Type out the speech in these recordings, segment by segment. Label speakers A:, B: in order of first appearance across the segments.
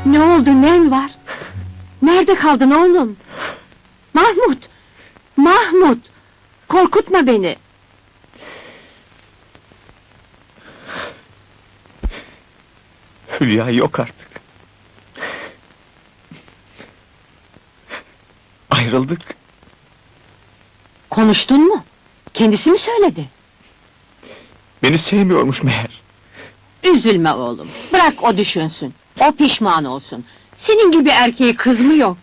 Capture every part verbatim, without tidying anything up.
A: Ne oldu, nen var? Nerede kaldın oğlum? Mahmut! Mahmut! Korkutma beni!
B: Hülya yok artık. Ayrıldık.
A: Konuştun mu? Kendisi mi söyledi?
B: Beni sevmiyormuş meğer.
A: Üzülme oğlum, bırak o düşünsün. O pişman olsun. Senin gibi erkeği kız mı yok?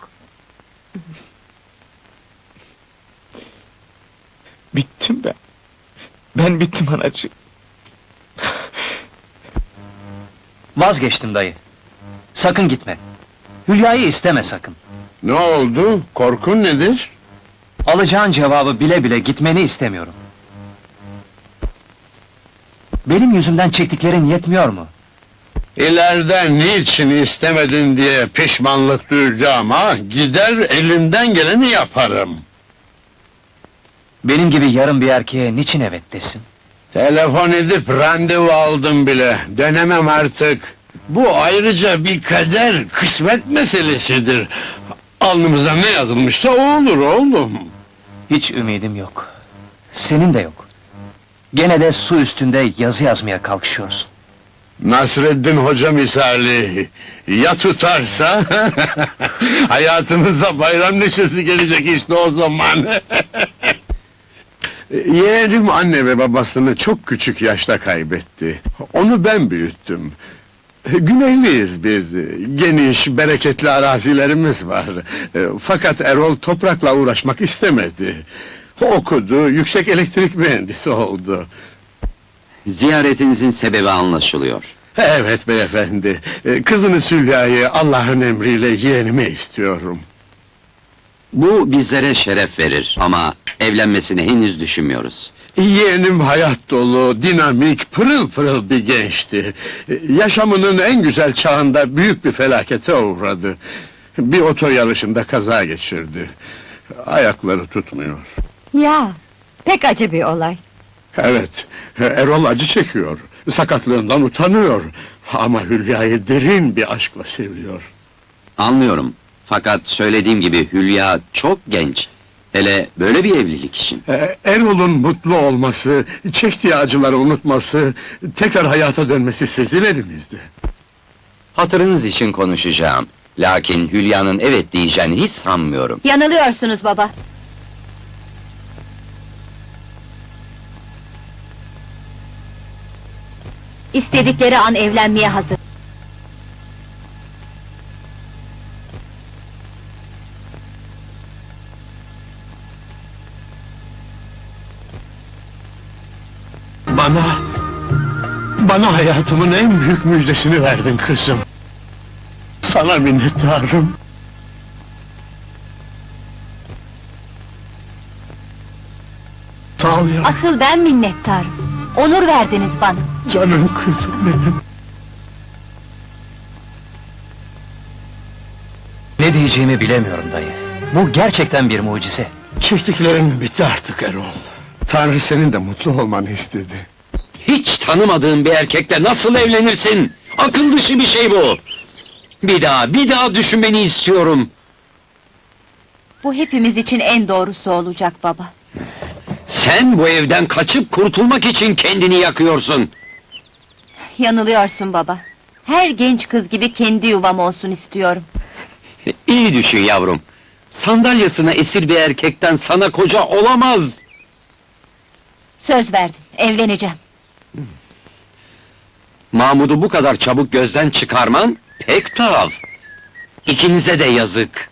B: Bittim ben. Ben bittim anacığım.
C: Vazgeçtim dayı. Sakın gitme. Hülya'yı isteme sakın.
D: Ne oldu? Korkun nedir?
C: Alacağın cevabı bile bile gitmeni istemiyorum. Benim yüzümden çektiklerin yetmiyor mu?
D: İleride niçin istemedin diye pişmanlık duyacağım ha? Gider elimden geleni yaparım.
C: Benim gibi yarım bir erkeğe niçin evet desin?
D: Telefon edip randevu aldım bile. Dönemem artık. Bu ayrıca bir kader, kısmet meselesidir. Alnımıza ne yazılmışsa o olur oğlum.
C: Hiç ümidim yok. Senin de yok. Gene de su üstünde yazı yazmaya kalkışıyorsun.
D: Nasreddin Hoca misali, ya tutarsa, hayatımıza bayram neşesi gelecek işte o zaman. Yeğenim anne ve babasını çok küçük yaşta kaybetti. Onu ben büyüttüm. Güneyliyiz biz, geniş, bereketli arazilerimiz var. Fakat Erol toprakla uğraşmak istemedi. Okudu, yüksek elektrik mühendisi oldu.
E: Ziyaretinizin sebebi anlaşılıyor.
D: Evet beyefendi, kızını Sülya'yı Allah'ın emriyle yeğenime istiyorum.
E: Bu bizlere şeref verir ama evlenmesini henüz düşünmüyoruz.
D: Yeğenim hayat dolu, dinamik, pırıl pırıl bir gençti. Yaşamının en güzel çağında büyük bir felakete uğradı. Bir oto yarışında kaza geçirdi. Ayakları tutmuyor.
A: Ya, pek acı bir olay.
D: Evet, Erol acı çekiyor. Sakatlığından utanıyor. Ama Hülya'yı derin bir aşkla seviyor.
E: Anlıyorum. Fakat söylediğim gibi Hülya çok genç. Hele böyle bir evlilik için.
D: Ee, Erol'un mutlu olması, çektiği acıları unutması, tekrar hayata dönmesi sizin elinizde.
E: Hatırınız için konuşacağım. Lakin Hülya'nın evet diyeceğini hiç sanmıyorum.
A: Yanılıyorsunuz baba. İstedikleri an evlenmeye hazır.
D: Bana, bana hayatımın en büyük müjdesini verdin kızım. Sana minnettarım. Sağ ol ya,
A: Asıl ben minnettarım. Onur verdiniz bana.
D: canım kızım benim.
C: Ne diyeceğimi bilemiyorum dayı. Bu gerçekten bir mucize.
D: Çektiklerin bitti artık Erol. Tanrı senin de mutlu olmanı istedi.
E: Hiç tanımadığın bir erkekle nasıl evlenirsin? Akıl dışı bir şey bu! Bir daha, bir daha düşünmeni istiyorum!
A: Bu hepimiz için en doğrusu olacak baba.
E: Sen bu evden kaçıp kurtulmak için kendini yakıyorsun!
A: Yanılıyorsun baba. Her genç kız gibi kendi yuvam olsun istiyorum.
E: İyi düşün yavrum! Sandalyasına esir bir erkekten sana koca olamaz!
A: Söz verdim, evleneceğim.
E: Mahmud'u bu kadar çabuk gözden çıkarman pek tuhaf! İkinize de yazık!